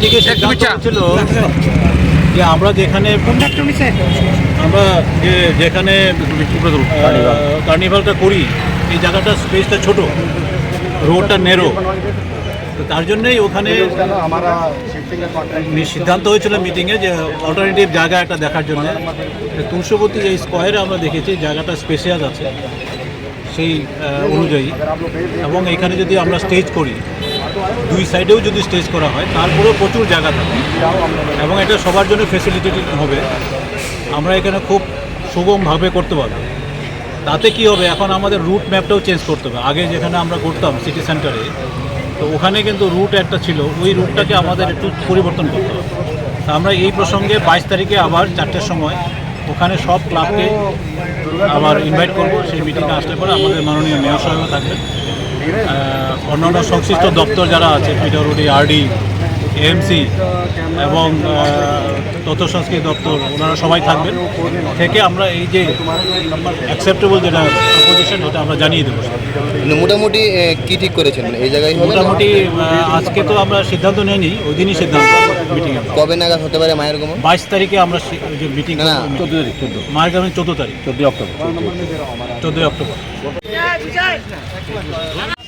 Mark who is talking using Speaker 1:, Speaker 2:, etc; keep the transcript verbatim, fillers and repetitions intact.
Speaker 1: মিটিংয়ে সিদ্ধান্ত ছিল যে আমরা যেখানে আমরা যে যেখানে কার্নিভালটা করি এই জায়গাটা স্পেসটা ছোট, রোডটা নেরো, তো তার জন্যই ওখানে সিদ্ধান্ত হয়েছিল মিটিংয়ে যে অল্টারনেটিভ জায়গা একটা দেখার জন্য তুলসীবতী এই স্কোয়ারে আমরা দেখেছি জায়গাটা স্পেশিয়াস আছে সেই অনুযায়ী, এবং এখানে যদি আমরা স্টেজ করি দুই সাইডেও যদি স্টেজ করা হয় তারপরেও প্রচুর জায়গা থাকে এবং এটা সবার জন্য ফেসিলিটেটেড হবে। আমরা এখানে খুব সুগমভাবে করতে পারবো। তাতে কি হবে, এখন আমাদের রুট ম্যাপটাও চেঞ্জ করতে হবে। আগে যেখানে আমরা করতাম সিটি সেন্টারে, তো ওখানে কিন্তু রুট একটা ছিল, ওই রুটটাকে আমাদের একটু পরিবর্তন করতে হবে। তা আমরা এই প্রসঙ্গে বাইশ তারিখে আবার চারটের সময় ওখানে সব ক্লাবকে আবার ইনভাইট করব। সেই মিটিংয়ে আসলে পরে আমাদের মাননীয় মেয়র সাহেবও থাকবেন, অন্যান্য সংশ্লিষ্ট দপ্তর যারা আছে পিডব্লিউডি, আরডি, এএমসি এবং তথ্য সংস্কৃতি দপ্তর, ওনারা সবাই থাকবেন। থেকে আমরা এই যে অ্যাকসেপ্টেবল যেটা প্রপোজিশন এটা আমরা জানিয়ে দেবো।
Speaker 2: মোটামুটি কী ঠিক করেছেন এই জায়গায়?
Speaker 1: মোটামুটি আজকে তো আমরা সিদ্ধান্ত নিইনি, ওই দিনই সিদ্ধান্ত মিটিংয়ে।
Speaker 2: কবে নাগাদ হতে পারে মায়ের আগমন?
Speaker 1: বাইশ তারিখে আমরা যে মিটিং,
Speaker 2: না
Speaker 1: চোদ্দো তারিখ চোদ্দো মায়ের আগমন চোদ্দো তারিখ চোদ্দোই অক্টোবর চোদ্দোই অক্টোবর